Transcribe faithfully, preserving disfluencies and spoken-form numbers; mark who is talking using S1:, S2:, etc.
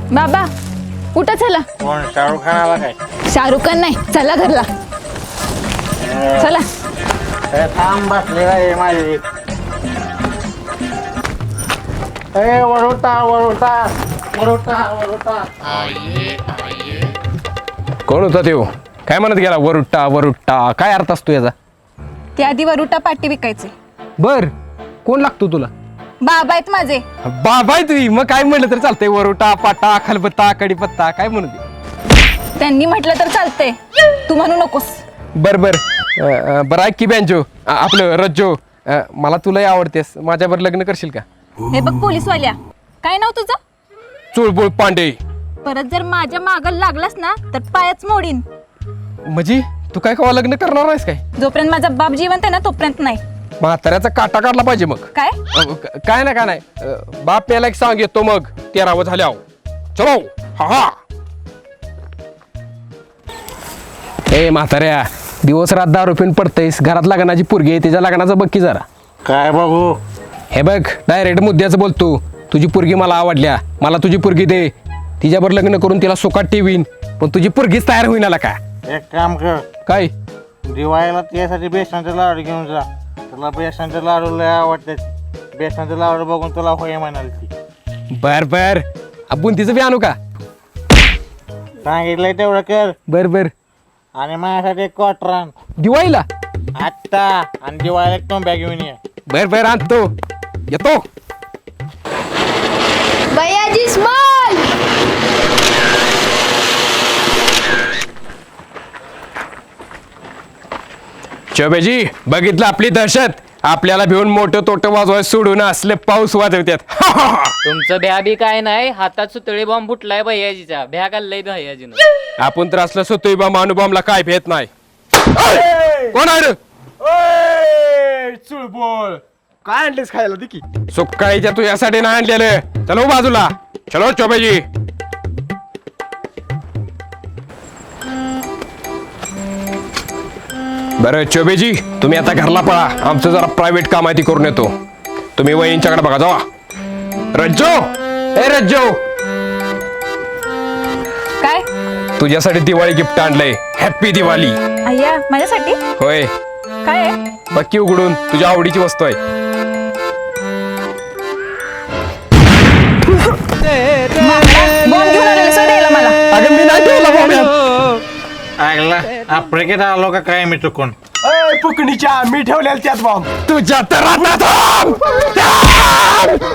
S1: बाबा उठा चला.
S2: कोण शाहरुख खान आला काय?
S1: शाहरुख खान नाही, चला घरला चला.
S2: ए, थांब बसलेला आहे माझी. ए वरुटा वरुटा वरुटा वरुटा.
S3: कोण होता त्यो? काय म्हणत गेला वरुट्टा वरुट्टा? काय अर्थ असतो याचा?
S1: ते आधी वरुटा पाटी विकायचे.
S3: बर कोण लागतो तुला?
S1: बाबा आहेत माझे.
S3: बाबा आहे तुझी, मग काय म्हणलं तर चालतंय. वरुटा पाटा खलबत्ता कडीपत्ता काय म्हणू दे.
S1: त्यांनी म्हटलं तर चालतंय, तू म्हणू नकोस.
S3: बर बर अ, अ, बरं ऐक की बँजो अ, आपलं रज्जो अ, मला तुलाही आवडतेस, माझ्यावर लग्न करशील का?
S1: हे बघ पोलीसवाल्या, काय नाव तुझं?
S3: चुळबुळ पांडे.
S1: परत जर माझ्या मागं लागलास ना तर पायच मोडीन.
S3: म्हणजे तू काय कवा लग्न करणार आहेस काय?
S1: जोपर्यंत माझा बाप जिवंत आहे ना तोपर्यंत नाही.
S3: म्हाताऱ्याचा काटा काढला पाहिजे मग.
S1: काय
S3: अ, क- काय ना काय नाही अ, बाप याला एक सांग येतो मग तेरावं झाल्या चलो. हा हा ए म्हाताऱ्या, दिवस रात दारू पिऊन पडतयस, घरात लग्नाची पोरगी आहे, तिच्या लग्नाचं बघ की जरा.
S2: काय बघू?
S3: हे बघ डायरेक्ट मुद्द्याचं बोलतो. तुझी पोरगी मला आवडल्या, मला तुझी पोरगी दे, तिच्यावर लग्न करून तिला सुखात ठेवीन, पण तुझी पोरगीच तयार होईना का?
S2: एक काम कर,
S3: काय?
S2: दिवाळीला त्यासाठी बेसनाचे लाडू घेऊन जा. तुला बेसनाचे लाडू लय आवडतात. बेसनाचे लाडू बघून तुला होय म्हणाल ती.
S3: बर बर आपण तिचं बी आणू का?
S2: सांगितलंय तेवढं कर.
S3: बर बर
S2: आणि माझ्यासाठी एक क्वार्टर आण
S3: दिवाळीला.
S2: आत्ता. आणि दिवाळीला एक टोंब्या घेऊन ये.
S3: बर बर आणतो, येतो.
S1: बयाजी स्मॉल.
S3: चोबेजी बघितलं आपली दहशत. आपल्याला भिवून मोठं तोटं वाजवाय सोडून असले पाऊस वाजवतात.
S4: तुमचं भ्या बी काय नाही, हातात सुतळी बॉम्ब फुटलाय भैयाजीचा. भ्या घाललाय भैयाजीनं.
S3: आपण तर असलं सोतोय बा मानुबामला काय भेट नाही. कोण आहे रे?
S5: चुळबोळ काय आणलेस खायला दिकी?
S3: सुकाळीच्या तू यासाठी नाही आणलेलं. चलो बाजूला, चलो चोबेजी. बरं चोबेजी, तुम्ही आता घरला पळा, आमचं जरा प्रायव्हेट काम आहे ती करून येतो. तुम्ही वहिनींच्याकडे बघा, जावा. रज्जो, ए रज्जो,
S1: काय
S3: तुझ्यासाठी दिवाळी गिफ्ट आणलंय. हॅप्पी दिवाळी.
S1: अय्या माझ्यासाठी
S3: होय,
S1: काय आहे?
S3: बक्की उघडून, तुझ्या आवडीची वस्तू आहे.
S1: बॉम्ब घेऊन आलेले सोडायला मला.
S3: अगं मी नाही ठेवला बॉम्ब.
S2: ऐकला आफ्रिकेत आलो का काय मी चुकून?
S5: ए फुकणीच्या मी ठेवलेल्या त्यात बॉम्ब.
S3: तुझ्या तर आता थांब. थांब.